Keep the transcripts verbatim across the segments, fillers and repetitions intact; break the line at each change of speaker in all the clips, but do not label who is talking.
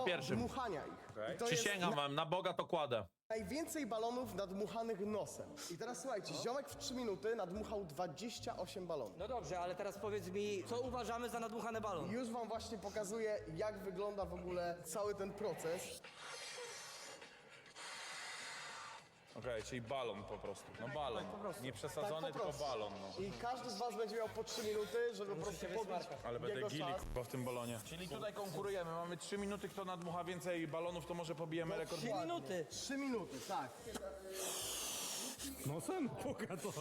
pierwszym.
dmuchania ich.
Okej.
I to
Przysięgam
jest
wam, na Boga to kładę.
najwięcej balonów nadmuchanych nosem. I teraz słuchajcie, ziomek w trzy minuty nadmuchał dwadzieścia osiem balonów.
No dobrze, ale teraz powiedz mi, co uważamy za nadmuchany balon?
Już wam właśnie pokazuję, jak wygląda w ogóle cały ten proces.
Okej, czyli balon po prostu. No balon. Nie przesadzony,
Tak, po
tylko
prostu.
balon. No.
I każdy z was będzie miał po trzy minuty, żeby po prostu pobić
Ale będę
jego
gili
czas.
k***a, w tym balonie. Czyli tutaj konkurujemy. Mamy trzy minuty, kto nadmucha więcej balonów, to może pobijemy rekord.
Trzy minuty.
Trzy minuty, tak.
Nosem? Puka to.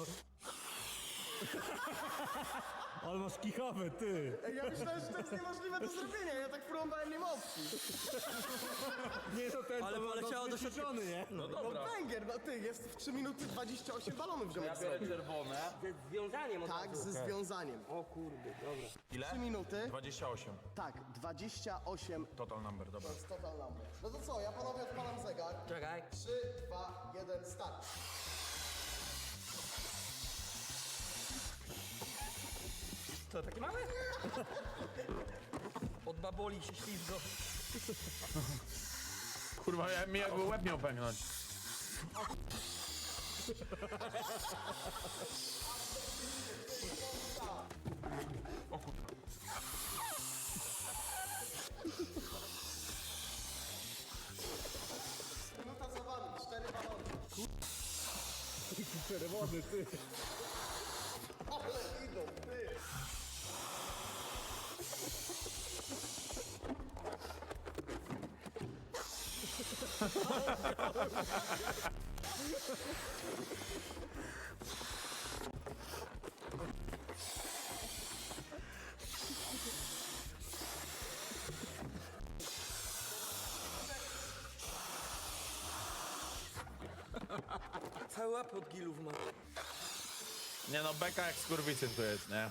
Ale masz kichawę, ty.
Ej, ja myślałem, że to jest niemożliwe do zrobienia, ja tak próbowałem, nie ma opcji.
Nie, to ten,
Ale
to
poleciało do
wyćwiczony, nie?
No
No
dobra.
węgier, no ty, jest w trzy minuty dwadzieścia osiem balonów ziomek
Ja biorę
zrobił.
czerwone.
Ze związaniem od
Tak,
razu.
ze związaniem.
O kurde, dobra.
Ile?
trzy minuty,
dwadzieścia osiem.
tak, dwadzieścia osiem
Total number, dobra.
to jest total number. No to co, ja panowie odpalam zegar.
Czekaj.
trzy, dwa, jeden, start.
Co, taki mały? Od baboli się ślizgo.
Kurwa, ja, mi jakby łeb miał pęknąć.
Minuta za wami, cztery balony.
Czerwony, ty.
Ale idą, ty.
Cały łap od gilów ma.
Nie no, beka jak skurwysyn tu jest, nie?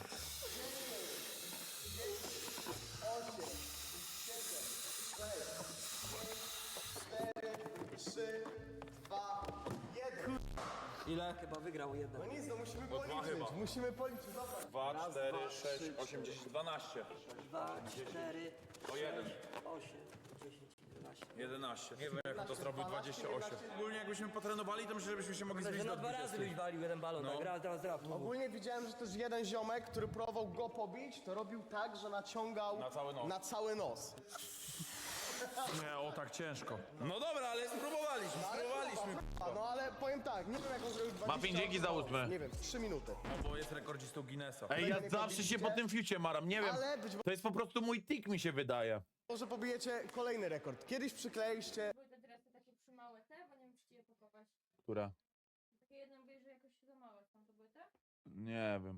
trzy, dwa, jeden.
Ile? Chyba wygrał jeden.
No nic, no musimy
dwa
policzyć,
chyba.
musimy policzyć, dobra.
dwa, cztery, sześć, osiem, dziesięć, dwanaście.
Dwa, cztery,
O jeden.
osiem, dziesięć, jedenaście.
jedenaście. Nie wiem jak on to zrobił dwadzieścia osiem. Ogólnie jakbyśmy potrenowali, to myślę, żebyśmy się mogli
Że
zmierzyć
na
do
dwa razy
dwudziestu.
byś walił jeden balon,
No.
tak raz, teraz raz.
Ogólnie widziałem, że też jeden ziomek, który próbował go pobić, to robił tak, że naciągał
Na cały nos.
na cały nos.
Nie, o tak ciężko. No dobra, ale spróbowaliśmy, spróbowaliśmy.
A, no ale powiem tak, nie wiem jak on zrobił dwadzieścia
Muffin, dzięki za ósmy.
Nie wiem, trzy minuty.
No bo jest rekordzistą Guinnessa.
Ej, ja
nie
zawsze się po tym fiucie maram, nie wiem.
Ale być
To jest po prostu mój tik, mi się wydaje.
może pobijecie kolejny rekord. Kiedyś przykleiliście...
Były te dresy takie przymałe te, bo nie wiem czy ci je pakować.
Która?
Takie jedne mówię, że jakoś za małe są, to były te?
Nie wiem.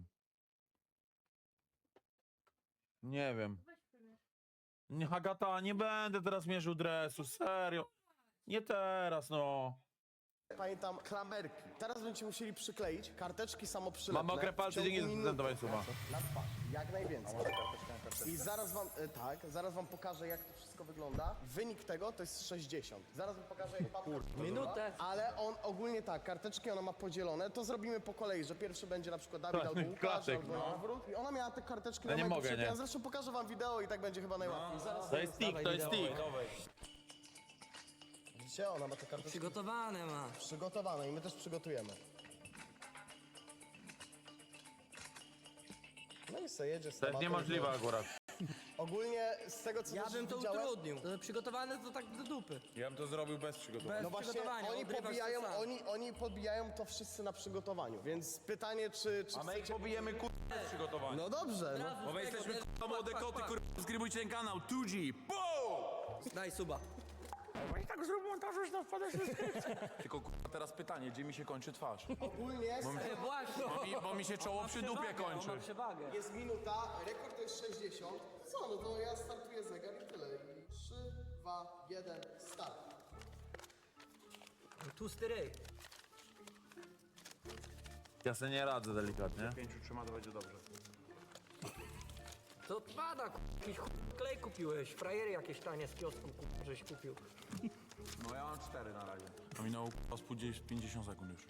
Nie wiem.
Weź przymierz.
Nie, Agata, nie będę teraz mierzył dresu, serio. Nie teraz, no.
Pamiętam klamerki. Teraz będziecie musieli przykleić karteczki samoprzylepne.
Mam mokre
w
palce,
ciągu
dzięki za
minuty.
prezentowanie suba.
Na twarz, jak najwięcej. I zaraz wam, e, tak, zaraz wam pokażę jak to wszystko wygląda. Wynik tego to jest sześćdziesiąt. Zaraz wam pokażę jak papka
Minutę.
Ale on ogólnie tak, karteczki ona ma podzielone, to zrobimy po kolei, że pierwszy będzie na przykład Dawid albo Łukasz,
Klasyk,
albo
no.
na odwrót. I ona miała te karteczki
Ja
na
nie
mojego
mogę,
siebie.
nie.
Ja zresztą pokażę wam wideo i tak będzie chyba najłatwiej. Zaraz
To jest tik, to jest tik.
widzicie, ona ma te karteczki
Przygotowane ma.
przygotowane i my też przygotujemy. No i se jedzie z
To jest
tematem.
niemożliwe akurat.
Ogólnie z tego co
Ja
też
bym to
widziałem,
utrudnił. To przygotowane to tak do dupy.
Ja bym to zrobił bez przygotowania.
Bez
no właśnie
przygotowania,
oni
odrywasz
pobijają,
to sam.
oni, oni podbijają to wszyscy na przygotowaniu, więc pytanie czy, czy
A my ich pobijemy kur... bez przygotowania.
No dobrze, no.
Bo my jesteśmy k***a młode koty, kur... Subskrybujcie ten kanał, two G, boom!
Daj suba.
I tak zrób montaż, już tam wpada Tylko k***a teraz pytanie, gdzie mi się kończy twarz?
Ogólnie
E, Właśnie.
Bo mi, bo mi się czoło przy dupie
On
kończy.
ma przewagę.
jest minuta, rekord to jest sześćdziesiąt. Co, no to ja startuję zegar i tyle. I trzy, dwa, jeden, start.
Tłusty ryj.
Ja sobie nie radzę delikatnie.
Pięciu trzyma, to będzie dobrze.
To odpada, ku- jakiś chuj klej kupiłeś. Frajery jakieś tanie z kiosku ku- żeś kupił.
No ja mam cztery na razie. To minęło k***a z pięćdziesiąt sekund już.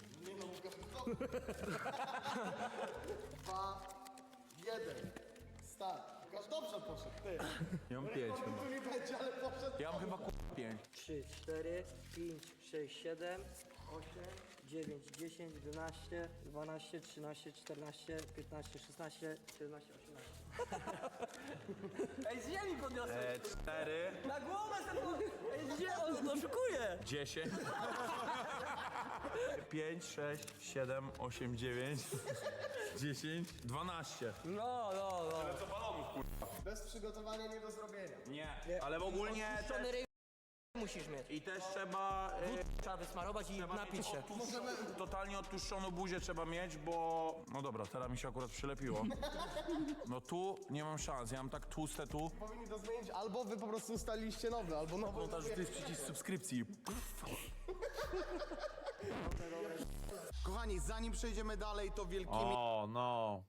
Dwa, jeden, start. Łukasz dobrze poszedł, ty.
Ja mam pięć chyba.
Tu nie będzie, ale poszedł.
Ja mam chyba kurwa pięć.
trzy, cztery, pięć, sześć, siedem, osiem, dziewięć, dziesięć, jedenaście, dwanaście, trzynaście, czternaście, piętnaście, szesnaście, siedemnaście, osiemnaście. Ej, z ziemi podniosłem!
E, cztery,
Na głowę sobie! Ej, gdzie on oszukuje?
dziesięć, pięć, sześć, siedem, osiem, dziewięć, dziesięć, dwanaście.
No, no, no.
Bez przygotowania nie do zrobienia.
Nie, ale ogólnie
Puszczony
też,
ryj musisz mieć.
i też trzeba... e,
Trzeba wysmarować i napić się.
Totalnie odtłuszczoną buzię trzeba mieć, bo... No dobra, teraz mi się akurat przylepiło. No tu nie mam szans, ja mam tak tłuste tu.
Powinni to zmienić, albo wy po prostu ustaliliście nowy, albo nowy.
Montaż, to jest przycisk subskrypcji.
Kochani, zanim przejdziemy dalej, to wielkimi
O, no.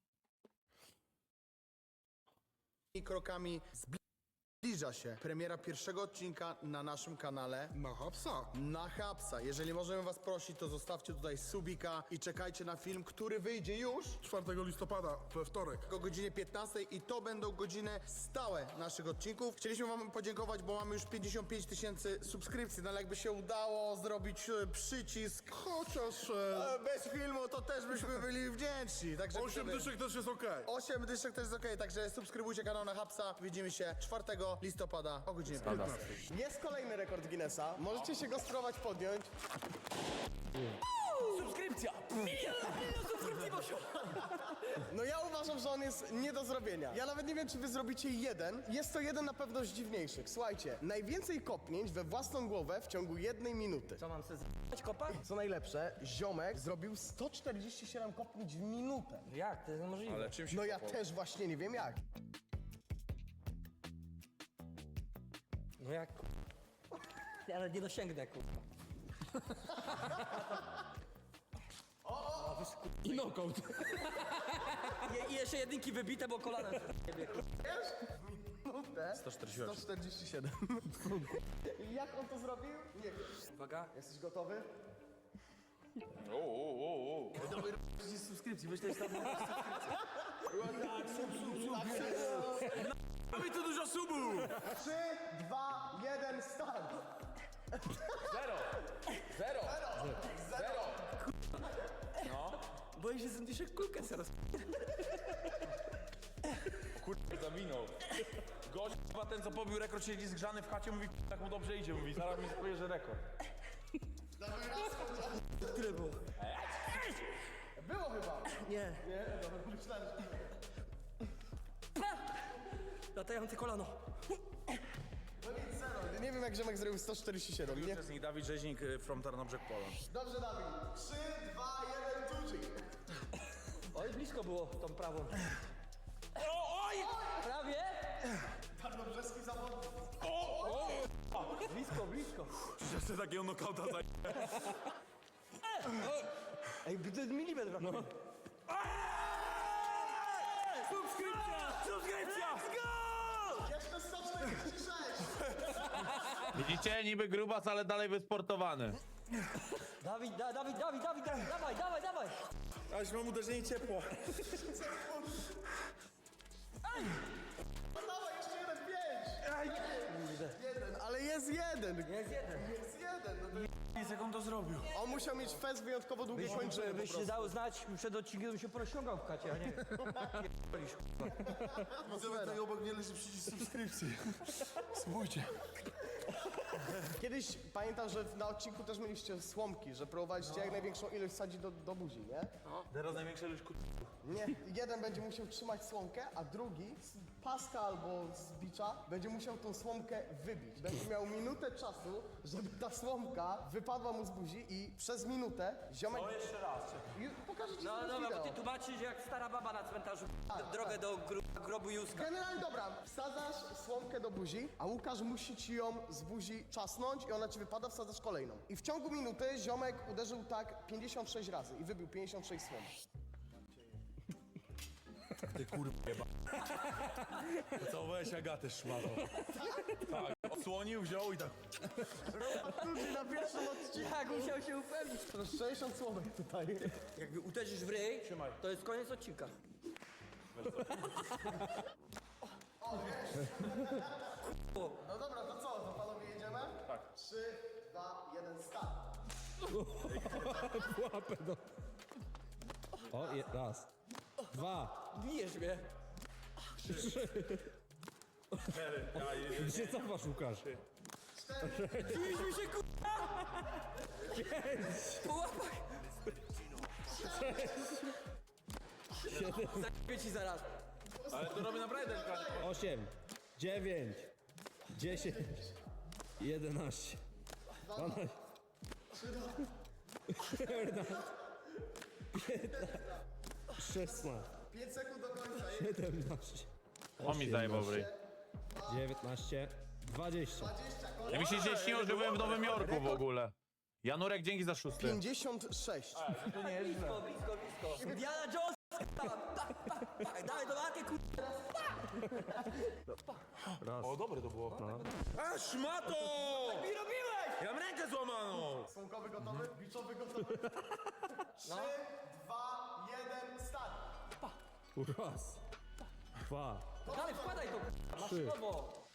krokami zbliża się premiera pierwszego odcinka na naszym kanale
Na hapsa.
na Hapsa. Jeżeli możemy was prosić, to zostawcie tutaj subika i czekajcie na film, który wyjdzie już
czwartego listopada, we wtorek.
o godzinie piętnastej i to będą godziny stałe naszych odcinków. Chcieliśmy wam podziękować, bo mamy już pięćdziesiąt pięć tysięcy subskrypcji, no ale jakby się udało zrobić e, przycisk
Chociaż e,
e, bez filmu, to też byśmy byli wdzięczni. Także
osiem
wtedy-
dyszek też jest okej.
osiem dyszek też jest okej, także subskrybujcie kanał na Hapsa. Widzimy się czwartego listopada o godzinie piętnastej. Jest kolejny rekord Guinnessa. Możecie się go spróbować podjąć.
Subskrypcja! Milion, milion subskrypcji poszło!
No ja uważam, że on jest nie do zrobienia. Ja nawet nie wiem, czy wy zrobicie jeden. Jest to jeden na pewno z dziwniejszych. Słuchajcie, najwięcej kopnięć we własną głowę w ciągu jednej minuty.
Co mam sobie z***ać kopa?
Co najlepsze, ziomek zrobił sto czterdzieści siedem kopnięć w minutę.
Jak? To jest niemożliwe.
Ale czym się
No ja
kopał?
też właśnie nie wiem jak.
No jak? Ja ale nie dosięgnę, kurwa.
I knockout.
I, I jeszcze jedynki wybite, bo kolanem sobie
Minutę?
sto czterdzieści osiem.
sto czterdzieści siedem. I jak on to zrobił? Nie wiem.
Uwaga.
Jesteś gotowy?
Subskrypcji, myślę, że tam...
Mamy tu dużo subów!
trzy, dwa, jeden, start!
Zero! Zero! Zero!
Boję się, że dyszek kulkę zaraz.
Kurde, zawinął.
Gość, chyba ten co pobił rekord, siedzi zgrzany w chacie, mówi, tak mu dobrze idzie, mówi, zaraz mi powie, że rekord.
Które było?
Było chyba.
Nie.
Nie, dobra, myślałem, że...
Latające kolano.
No nic, zero. Nie wiem jak ziomek zrobił sto czterdzieści siedem, nie?
Uczestnik Dawid Rzeźnik y, from Tarnobrzeg Poland.
Dobrze, Dawid. trzy, dwa, jeden, tuczyk.
Oj, blisko było tą prawą. Oj! Prawie?
Tarnobrzeski zawodnik.
Blisko, blisko.
Jeszcze takiego nokauta za...
Ej, to jest milimetr brakuje. Subskrypcja! Subskrypcja! Let's go!
Jeszcze sto czterdzieści sześć.
Widzicie, niby grubas, ale dalej wysportowany.
Dawid, da, Dawid, Dawid, Dawid, Dawid, dawaj, dawaj, dawaj!
Aż mam uderzenie ciepło.
No dawaj, jeszcze jeden, pięć. Jeden, ale jest jeden.
Jest jeden.
Jest jeden. No to...
Nic, jak on to zrobił.
On musiał mieć fest wyjątkowo długie kończyny po
Byś się
prostu.
dał znać, przed odcinkiem bym się porozciągał w kacie, a nie...
Widzę, tutaj obok mnie leży przycisk subskrypcji. Spójrzcie.
Kiedyś pamiętam, że na odcinku też mieliście słomki, że próbowaliście jak największą ilość sadzić do, do buzi, nie?
Teraz największa ilość kut...
Nie, jeden będzie musiał trzymać słomkę, a drugi z paska albo z bicza będzie musiał tą słomkę wybić. Będzie miał minutę czasu, żeby ta słomka wypadła mu z buzi i przez minutę ziomek...
No jeszcze raz.
I pokażę ci
No
teraz
dobra, bo
wideo.
ty tłumaczysz jak stara baba na cmentarzu drogę do gro grobu Józka.
Generalnie dobra, wsadzasz słomkę do buzi, a Łukasz musi ci ją z buzi czasnąć i ona ci wypada, wsadzasz kolejną. I w ciągu minuty ziomek uderzył tak pięćdziesiąt sześć razy i wybił pięćdziesiąt sześć słomek.
Ty kurwa jeba. Pocałowałeś Agatę szmatą. Tak, odsłonił, wziął i tak...
Ludzi na pierwszym odcinku.
Tak, musiał się upewnić.
To jest sześćdziesiąt słomek tutaj.
Jakby uderzysz w ryj, to jest koniec odcinka.
No dobra, to co? To
Łapę do... O, je, raz. Dwa.
Bijesz mnie.
Ty się cofasz, Łukasz.
Biliśmy się kurwa! Po łapach! Zakupię ci zaraz.
Ale to robię naprawdę delikatnie.
Osiem. Dziewięć. Dziesięć. Jedenaście. Dwanaście. czternaście. piętnaście. szesnaście.
pięć sekund do końca.
siedemnaście.
On mi zajebał w ryj.
dziewiętnaście. dwadzieścia.
Ja mi się dzisiaj śniło, że byłem w Nowym Jorku w ogóle. Janurek, dzięki za szósty.
pięćdziesiąt sześć.
Blisko, blisko, blisko. Indiana Jones! Pa, pa, pa. Dawaj do walki kurwa!
O, dobre to było. A, szmato!
Mi robiłeś!
Ja mam rękę złamaną!
Słomkowy gotowy? Biczowy gotowy? trzy, dwa, jeden, start.
Raz. Dwa.
Dalej, wkładaj to kurwa, maszynowo.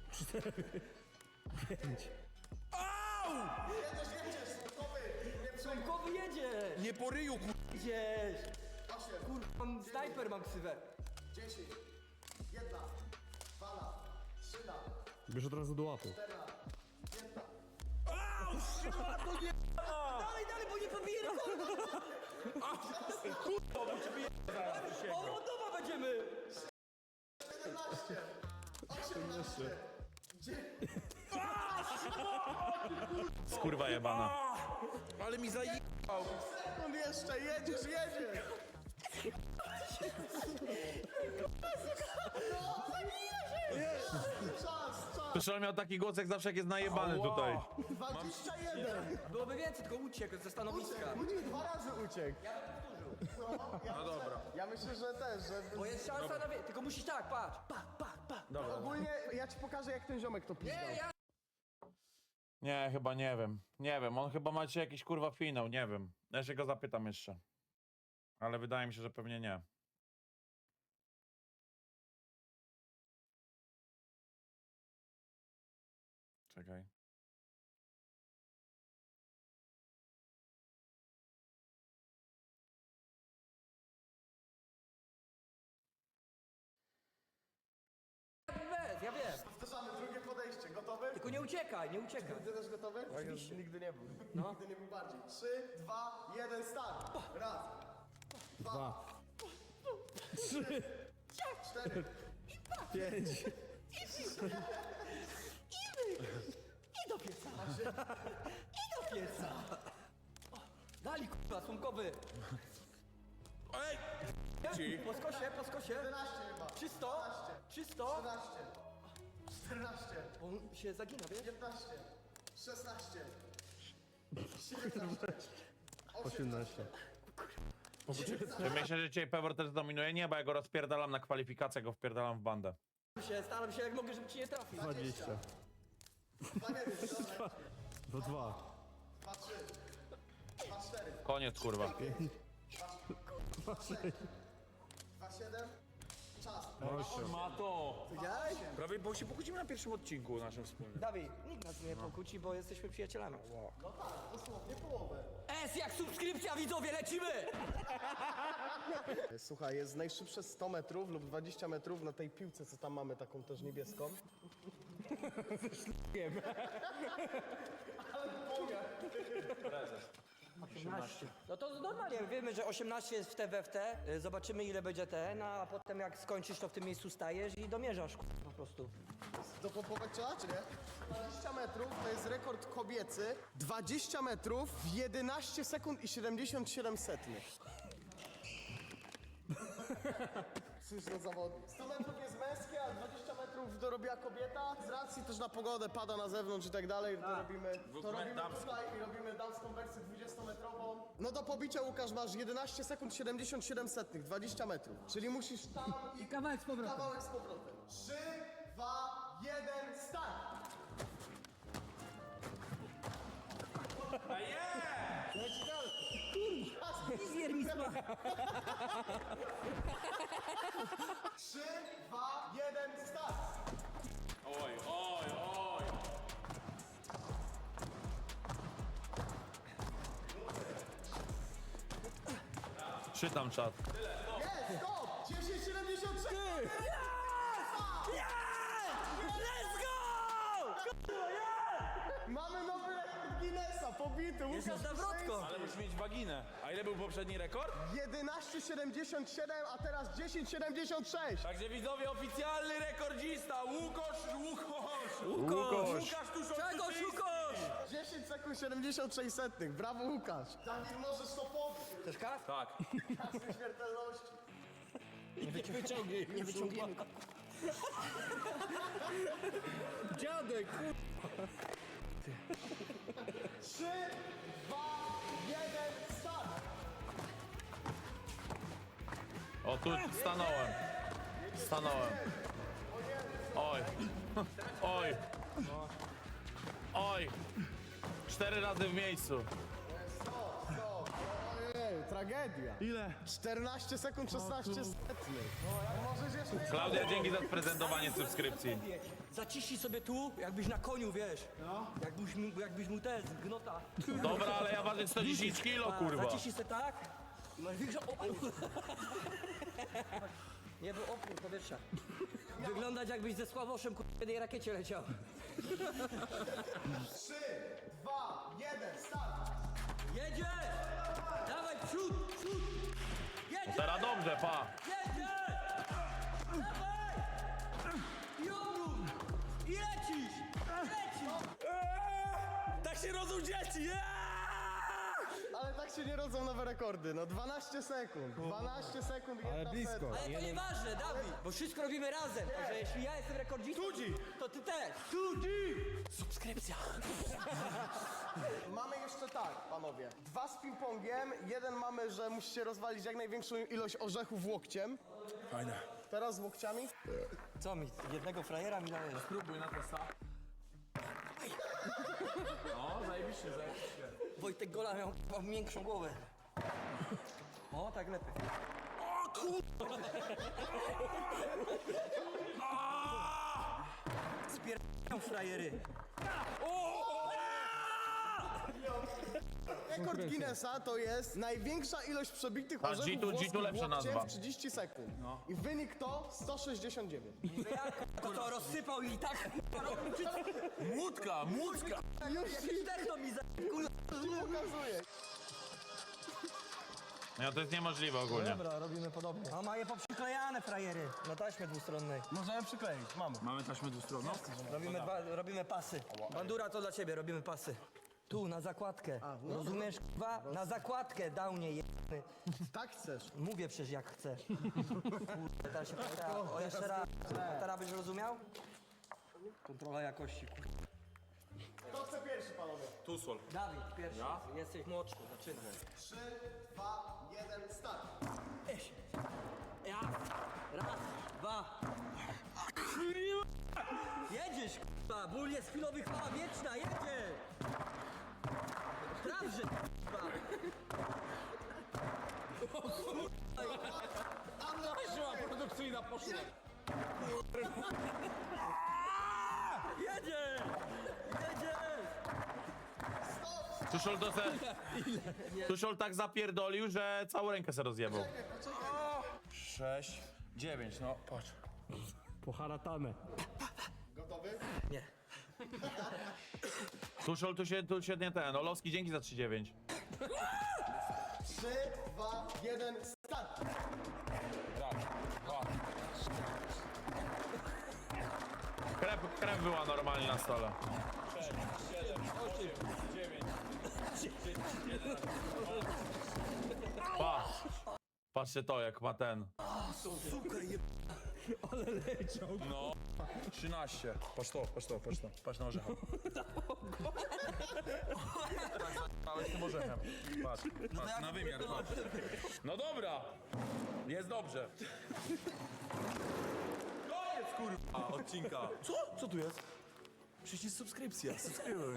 Pięć.
Jedziesz, jedziesz, słomkowy. Nie przejmuj.
Słomkowy jedzie!
Nie po ryju, kur...
Jedziesz!
osiem,
Kurwa, mam snajper, mam ksywę.
dziesięć, jedna, dwa, trzy,
Bierz od razu do łapy.
Dalej, dalej, bo nie pobije rekordu! O, od nowa będziemy!
siedemnaście, osiemnaście,
Skurwa jebana. Ale mi zaje...
sekund jeszcze, jedziesz, jedziesz. Czas, czas.
Przecież on miał taki głos, jak zawsze jak jest najebany tutaj.
dwadzieścia jeden.
Byłoby więcej, tylko uciekł ze stanowiska.
Uciekł, dwa razy uciekł.
Ja bym powtórzył.
No, ja
No dobra.
Ja myślę, że też, że...
Bo jest szansa na więcej, tylko musisz tak, patrz. Pa, pa, pa.
Ogólnie ja ci pokażę, jak ten ziomek to pizdał.
Nie, ja...
Nie, chyba nie wiem. Nie wiem, on chyba ma dzisiaj jakiś kurwa finał, nie wiem. Ja się go zapytam jeszcze. Ale wydaje mi się, że pewnie nie. Czekaj.
Bez, ja wiem.
Powtarzamy drugie podejście. Gotowy?
Tylko nie uciekaj, nie uciekaj.
Ty też gotowy? Oczywiście. Nigdy nie był.
No.
Nigdy nie był bardziej. Trzy, dwa, jeden, start. Raz,
Dwa.
cztery,
Pięć.
I do pieca. I do pieca. Dali kurwa, słomkowy.
Ej!
Po skosie, po skosie.
jedenaście chyba.
Czysto, czysto.
trzynaście, czternaście,
On się zagina, wiesz?
piętnaście, szesnaście, siedemnaście,
osiemnaście.
Czy myślę, że dzisiaj Pewor też zdominuje? Nie, bo ja go rozpierdalam na kwalifikacjach, go wpierdalam w bandę.
Się, staram się jak mogę, żeby ci nie trafił.
Dwadzieścia.
dwa, jeden, dobra.
Do dwa.
dwa, trzy, dwa, cztery,
Koniec, kurwa.
dwa, siedem, czas.
Mato!
Widziałeś?
Prawie, bo się pokłócimy na pierwszym odcinku naszym wspólnym.
Dawid, nikt nas nie pokłóci, bo jesteśmy przyjacielami.
No tak, dosłownie połowę.
S jak subskrypcja, widzowie, lecimy!
Słuchaj, jest najszybsze sto metrów lub dwadzieścia metrów na tej piłce, co tam mamy, taką też niebieską.
osiemnaście. No to normalnie, wiemy, że osiemnaście jest w T W F T, y, zobaczymy ile będzie ten, a potem jak skończysz, to w tym miejscu stajesz i domierzasz k***, po prostu.
Dopompować trzeba, czy nie? dwadzieścia metrów to jest rekord kobiecy. dwadzieścia metrów w jedenaście sekund i siedemdziesiąt siedem setnych. Cóż za zawodnik. sto metrów jest męskie, a dwadzieścia metrów dorobiła kobieta. Z racji też na pogodę, pada na zewnątrz i tak dalej, to robimy, to robimy tutaj i robimy damską wersję dwudziestometrową. No do pobicia, Łukasz, masz jedenaście sekund siedemdziesiąt siedem setnych, dwadzieścia metrów. Czyli musisz tam i
Kawałek z powrotem.
kawałek z powrotem. trzy, dwa, jeden, start!
Fizjer mi sma.
trzy, dwa, jeden, start!
Oj, oj, oj! Czytam czat.
Jest, stop! dziesięć siedemdziesiąt trzy!
Let's go!
Mamy nowy rekord Guinnessa, pobity.
Jest
Łukasz
zawrotką.
Ale musisz mieć waginę. A ile był poprzedni rekord?
jedenaście siedemdziesiąt siedem, a teraz dziesięć siedemdziesiąt sześć.
Także widzowie, oficjalny rekordzista Łukasz, Łukasz!
Łukasz.
Łukasz Tuszol
Czego
Tuszyński.
szukasz?
dziesięć sekund siedemdziesiąt sześć setnych. Brawo, Łukasz. Dawid, możesz to pobić.
Chcesz kas?
Tak.
Kasy śmiertelności.
Wyciągnij.
Nie wyciągniemy go.
Dziadek,
trzy, dwa, jeden, start.
O, tu stanąłem. Stanąłem. Oj. Oj. Oj. Cztery razy w miejscu.
Stop, stop. Ojej, tragedia.
ile?
czternaście sekund szesnaście setnych. No, możesz jeszcze...
Klaudia, dzięki za prezentowanie subskrypcji.
Zaciśnij sobie tu, jakbyś na koniu, wiesz. Jakbyś mu, jakbyś mu te z gnota.
Dobra, ale ja ważę sto dziesięć kilo, kurwa.
Zaciśnij sobie tak. i Masz większą opór. Nie był opór powietrza. Wyglądać jakbyś ze Sławoszem ku- w jednej rakiecie leciał.
trzy, dwa, jeden, start.
Jedzie! Dawaj, przód, przód! Jedzie!
Teraz dobrze, pa.
Jedzie! Dawaj! I obrót! I lecisz! Lecisz! Tak się rodzą dzieci! Yeah!
Ale tak się nie rodzą nowe rekordy. No dwanaście sekund. dwanaście sekund, jedna
Ale blisko.
setka.
Ale to nieważne, Dawid, bo wszystko robimy razem. Także jeśli ja jestem rekordzistą, to ty też. Subskrypcja.
Mamy jeszcze tak, panowie. Dwa z ping-pongiem. Jeden mamy, że musicie rozwalić jak największą ilość orzechów łokciem.
Fajne.
Teraz z łokciami.
Co mi, jednego frajera mi dajesz?
Spróbuj na testa. No, zajebiście, zajebiście.
Wojtek Gola miał k***a miększą głowę. O, tak lepiej. O kur... Spier***ą frajery.
Rekord Guinnessa to jest największa ilość przebitych
A,
orzechów
G tu- G tu
włoskich
lepsza
łokciem
nazwa.
w trzydzieści sekund. I wynik to sto sześćdziesiąt dziewięć.
To co, rozsypał i tak robił, czy co?
Młódka, młódka!
Już
Jakiś techno mi za...
ci pokazuję.
No to jest niemożliwe ogólnie.
Dobra, robimy podobnie. A ma je poprzyklejane frajery na taśmie dwustronnej.
Możemy przykleić, mamy.
Mamy taśmę dwustronną?
Robimy, dwa, robimy pasy. Bandura to dla ciebie, robimy pasy. Tu, na zakładkę. Rozumiesz, k***wa? Na zakładkę, downie jebany.
Tak chcesz.
Mówię przecież jak chcę. Kurde, teraz się pyta. O, jeszcze raz. Teraz byś rozumiał? Kontrola jakości, kurde.
Kto chce pierwszy, panowie?
Tusol.
Dawid, pierwszy. Jesteś młodszy, zaczynaj.
trzy, dwa, jeden, start.
Eś. Ja. Raz, dwa. Jedziesz, k***a. Ból jest chwilowy, chwała wieczna, jedzie. Sprawdź, k***a.
Siła produkcyjna poszła.
Jedzie! Jedzie!
Tuszol to se... Tuszol tak zapierdolił, że całą rękę se rozjebał.
Sześć, dziewięć, no patrz.
Poharatane.
Gotowy?
Nie.
Tuszol tu się, tu się nie ten. Olowski, dzięki za trzy dziewięć.
trzy, dwa, jeden, start.
Raz, dwa.
Krew, krew była normalnie na stole. Pa. Patrzcie to, jak ma ten.
No. trzynaście. Patrz to, patrz to, patrz to. Patrz na orzecha. Małeś tym orzechem. Patrz, patrz, na wymiar, patrz. No dobra. Jest dobrze. Koniec, kurwa, odcinka. Co? Co tu jest? Przycisk subskrypcja. Subskrybuj.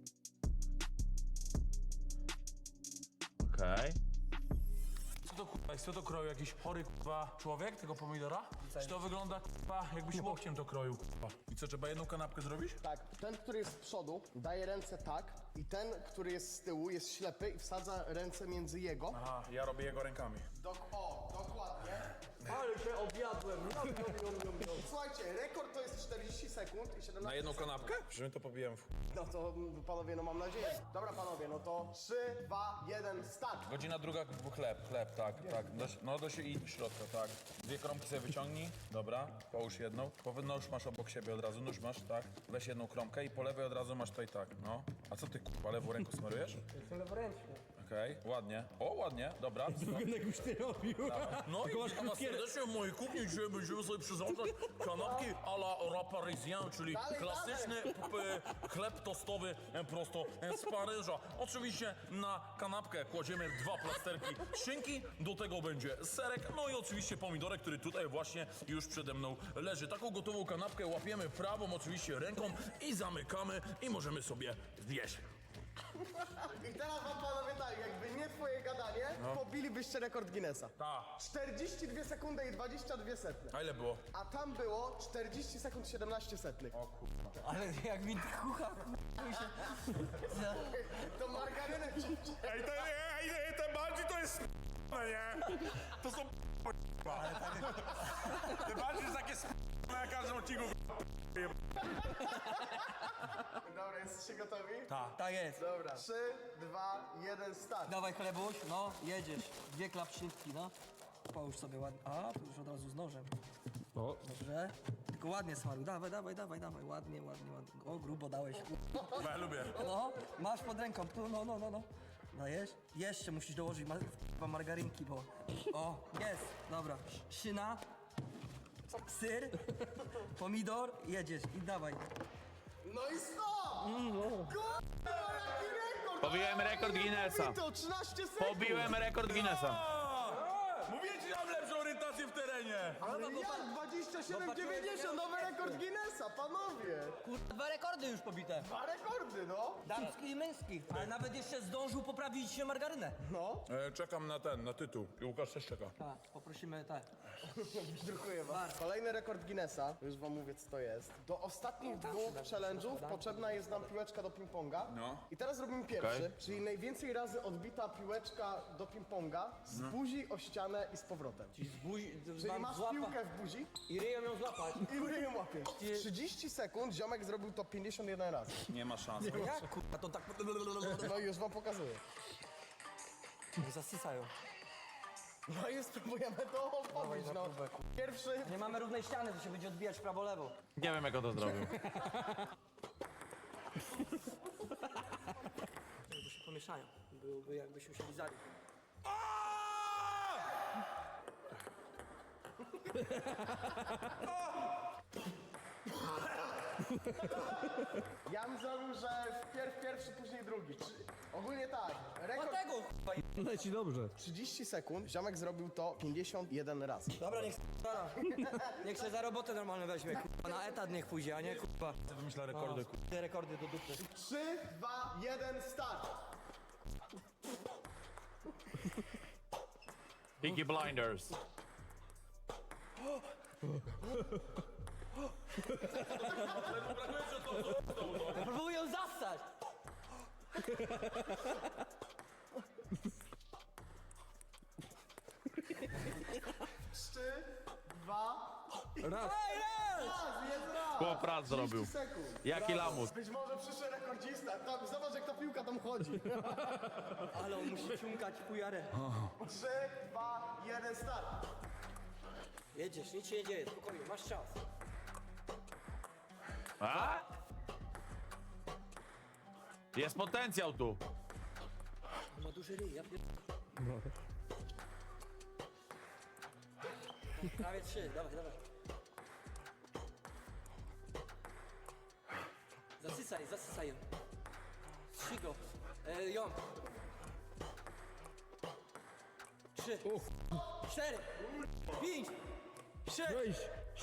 Okej.
Co to kurwa Ej, co to kroju? Jakiś chory k***a człowiek tego pomidora? Czy to wygląda k***a jakbyś łokciem to kroił k***a? I co, trzeba jedną kanapkę zrobić?
Tak, ten, który jest z przodu, daje ręce tak i ten, który jest z tyłu, jest ślepy i wsadza ręce między jego.
Aha, ja robię jego rękami.
Dok o, dokładnie.
Ale się objadłem. Nom, nom, nom, nom, nom.
Słuchajcie, rekord to jest czterdzieści sekund i siedemnaście
Na jedną
sekund.
kanapkę? Że my to pobijemy w...
No to mm, panowie, no mam nadzieję. Dobra panowie, no to trzy, dwa, jeden, start.
Godzina druga, chleb, chleb, tak, tak. Do, no do się i do środka, tak. Dwie kromki sobie wyciągnij, dobra, połóż jedną. Po nóż masz obok siebie od razu, nóż masz, tak. Weź jedną kromkę i po lewej od razu masz tutaj tak, no. A co ty, kurwa, lewą ręką smarujesz?
Jestem leworęczny.
Okej, ładnie. O, ładnie, dobra.
Wygląda jakbyś ty robił.
No
Tylko
i
masz
witam was
krótkie-
serdecznie w mojej kuchni. Dzisiaj będziemy sobie przyrządzać kanapki à la rat parisien, czyli
Dalej,
klasyczny p- chleb tostowy e, prosto e, z Paryża. Oczywiście na kanapkę kładziemy dwa plasterki szynki, do tego będzie serek, no i oczywiście pomidorek, który tutaj właśnie już przede mną leży. Taką gotową kanapkę łapiemy prawą oczywiście ręką i zamykamy i możemy sobie zjeść.
I teraz wam panowie tak, jakby nie twoje gadanie, pobilibyście rekord Guinnessa.
Tak.
czterdzieści dwie sekundy i dwadzieścia dwie setne.
A ile było?
A tam było czterdzieści sekund siedemnaście setnych.
Ale jak mi kucha,
To margarynę ci...
Ej, te, ej, ej, te bardziej to jest nie? To są Te bardziej jest takie na każdym odcinku.
Dobra, jesteście gotowi?
Tak.
tak jest.
Dobra. trzy, dwa, jeden, start.
Dawaj chlebuś, no, jedziesz. Dwie klapszynki, no. Połóż sobie ładnie. A, tu już od razu z nożem.
O,
Dobrze. Tylko ładnie smaruj. Dawaj, dawaj, dawaj, dawaj. Ładnie, ładnie, ładnie. O, grubo dałeś.
Ja lubię.
No, masz pod ręką. Tu, no, no, no, no. Dajesz? Jeszcze musisz dołożyć ma chyba margarynki, bo... O, jest. Dobra. Szyna. Syr. Pomidor. Jedziesz i dawaj.
No i stop! Kurwa, jaki rekord!
Pobiłem rekord Guinnessa.
To trzynaście sekund!
Pobiłem rekord Guinnessa.
Mówię ci, mam lepszą orientację w terenie.
Ale jak? dwadzieścia siedem dziewięćdziesiąt, nowy rekord Guinnessa, panowie!
Kurwa, dwa rekordy już pobite.
Dwa rekordy, no!
Damski i męski. Ale nawet jeszcze zdążył poprawić się margarynę.
No,
E, czekam na ten, na tytuł. I Łukasz też czeka.
Tak, poprosimy tak.
dziękuję wam. Kolejny rekord Guinnessa, już wam mówię co to jest. Do ostatnich dwóch challenge'ów potrzebna jest nam piłeczka do ping-ponga.
No.
I teraz robimy pierwszy,
Okej.
czyli najwięcej razy odbita piłeczka do ping-ponga z buzi o ścianę i z powrotem.
Czyli z buzi,
Czyli
mam
masz
złapa
piłkę w buzi
i ryją ją złapać.
i ryjem łapiesz. W trzydzieści sekund ziomek zrobił to pięćdziesiąt jeden razy.
Nie ma szans.
Jak kurwa, to tak
No i już wam pokazuję.
zasysają.
No i spróbujemy to podbić,
na
no.
próbę,
Pierwszy...
Nie mamy równej ściany, to się będzie odbijać prawo-lewo.
Nie wiem, jak on to zrobił.
Bo się pomieszają. Byłoby jakbyśmy się lizali.
Ja bym zrobił, że wpierw pierwszy, później drugi. Czy... Ogólnie tak, rekord
Dlatego kurwa.
leci dobrze.
trzydzieści sekund, ziomek zrobił to pięćdziesiąt jeden razy.
Dobra, niech stara. Niech się za robotę normalnie weźmie, kurwa. Na etat niech pójdzie, a nie kurwa.
Wymyśla rekordy.
Te rekordy do dupy.
trzy, dwa, jeden, start!
Peaky Blinders.
Ja próbuję ją zastać.
trzy, dwa,
Raz.
raz, jest raz!
Chłop raz zrobił.
trzydzieści sekund.
Jaki lamus.
Być może przyszły rekordzista. Tam, zobacz jak ta piłka tam chodzi.
Ale on musi ciumkać fujarę.
trzy, dwa, jeden, start!
Jedziesz, nic się nie dzieje, spokojnie, masz czas.
A? Jest potencjał tu.
Ma duży ryj, ja pier... Prawie trzy, dawaj, dawaj. Zasysaj, zasysaj ją. Trzy go. E, ją. Trzy. Cztery. Pięć. Sześć.
Weź.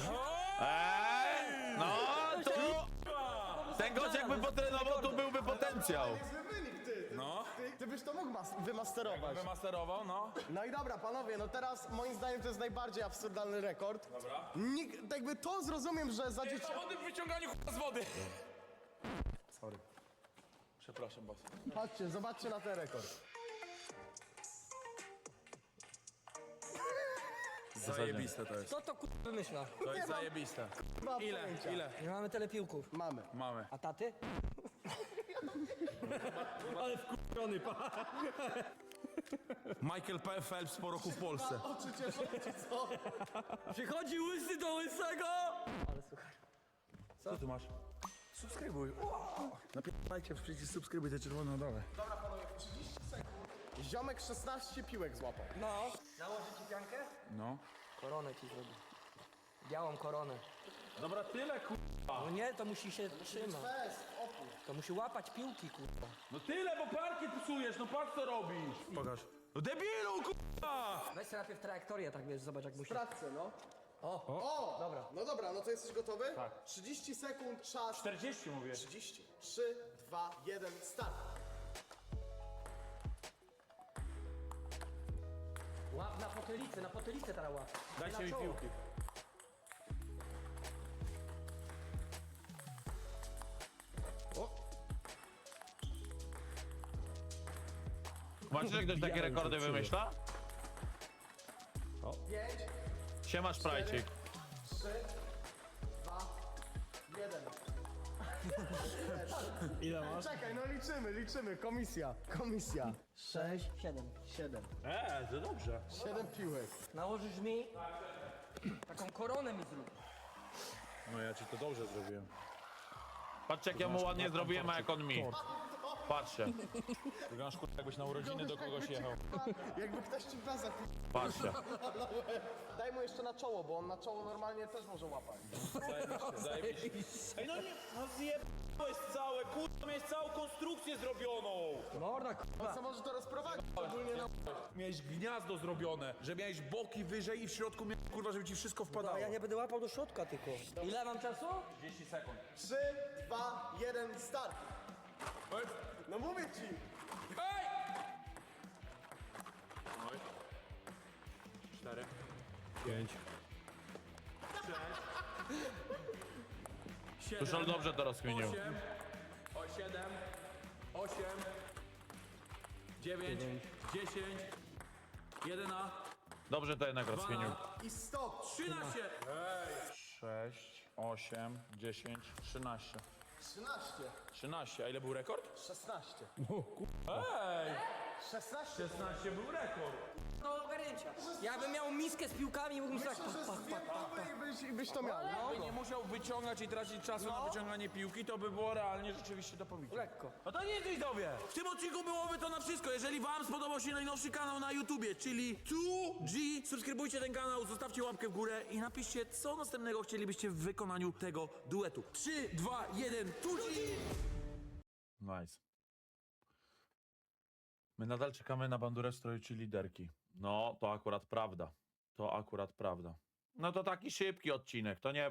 Eee, no to... Ten gość jakby potrenował, to byłby potencjał.
Niezły wynik, ty! ty
No.
Ty, ty ty byś to mógł mas- wymasterować.
Wymasterował, no.
No i dobra, panowie, no teraz moim zdaniem to jest najbardziej absurdalny rekord.
Dobra.
Nikt, jakby to zrozumiem, że za dzieci...
Zawody w wyciąganiu ch- z wody. Sorry. Przepraszam was.
Chodźcie, zobaczcie na ten rekord.
Zajebiste to jest.
Kto to kurwa wymyśla?
To jest zajebiste.
Mam
Ile?
pojęcia.
Ile?
Nie mamy tyle piłków.
Mamy.
Mamy.
A taty?
Ale wkurzony pa.
Michael P. Phelps po roku w Polsce.
Oczy cieszą, czy co?
Przychodzi łysy do łysego! Ale słuchaj.
Co ty masz?
Subskrybuj. Napierdajcie w przycisk subskrybuj, te czerwone na dole.
Dobra, panowie, trzydzieści sekund. Ziomek szesnaście piłek złapał.
No. Nałożę ci piankę?
No.
Koronę ci zrobię. Białą koronę.
Dobra, tyle ku...
No nie, to musi się trzymać.
Fest, opór.
To musi łapać piłki, kurwa.
No tyle, bo parkiet psujesz, no patrz co robisz.
Pokaż.
No debilu, kurwa!
Weź sobie najpierw trajektorię, tak wiesz, zobacz jak musi.
Sprawdźcie, no.
O,
O!
dobra.
No dobra, no to jesteś gotowy? Tak. trzydzieści sekund, czas.
czterdzieści mówię.
trzydzieści. trzy, dwa, jeden, start.
Łap na potylicę, na potylicę teraz łap.
Dajcie
Na
mi
czoło.
piłki. Macie, że ktoś takie rekordy wymyśla?
pięć,
Siema, Szprajcik.
trzy, dwa, jeden.
Ile masz?
Czekaj, no liczymy, liczymy. Komisja, komisja.
sześć, siedem.
siedem.
Eee, to dobrze.
siedem piłek.
Nałożysz mi taką koronę mi zrób.
No ja ci to dobrze zrobiłem. Patrzcie jak ja mu ładnie zrobiłem, a jak on mi. Patrzcie. Wyglądasz kurwa jakbyś na urodziny do kogoś jechał.
Jakby ktoś ci bazę
Patrzcie.
Daj mu jeszcze na czoło, bo on na czoło normalnie też może łapać.
Ej no nie, no zjebałeś całe, kurwa, miałeś całą konstrukcję zrobioną.
Morda, kurwa.
Co może to rozprowadzić? Ogólnie na...
Miałeś gniazdo zrobione, że miałeś boki wyżej i w środku miałeś, kurwa, żeby ci wszystko wpadało.
A ja nie będę łapał do środka tylko. Ile mam czasu?
trzydzieści sekund.
trzy, dwa, jeden, start. No mówię ci.
Ej! Oj. Cztery.
Pięć.
Siedem.
Tuszol dobrze to rozkminił.
Osiem. O, siedem. Osiem. Dziewięć. Dziesięć. Jeden a.
Dobrze to jednak rozkminił.
I stop.
Trzynaście. Sześć, osiem, dziesięć, trzynaście.
trzynaście.
Trzynaście, a ile był rekord?
szesnaście.
Ej!
szesnaście.
szesnaście był rekord.
Do ogarnięcia. Ja bym miał miskę z piłkami i mógłbym tak...
Myślę, że z dwie próby i byś, i byś to miał. No.
Jakby nie musiał wyciągać i tracić czasu na wyciąganie piłki, to by było realnie rzeczywiście do pobicia.
Lekko.
No to nie widzowie! W tym odcinku byłoby to na wszystko. Jeżeli wam spodobał się najnowszy kanał na YouTubie, czyli two G, subskrybujcie ten kanał, zostawcie łapkę w górę i napiszcie, co następnego chcielibyście w wykonaniu tego duetu. trzy, dwa, jeden, two G!
Nice. My nadal czekamy na bandurę w stroju czy liderki. No, to akurat prawda. To akurat prawda. No to taki szybki odcinek, to nie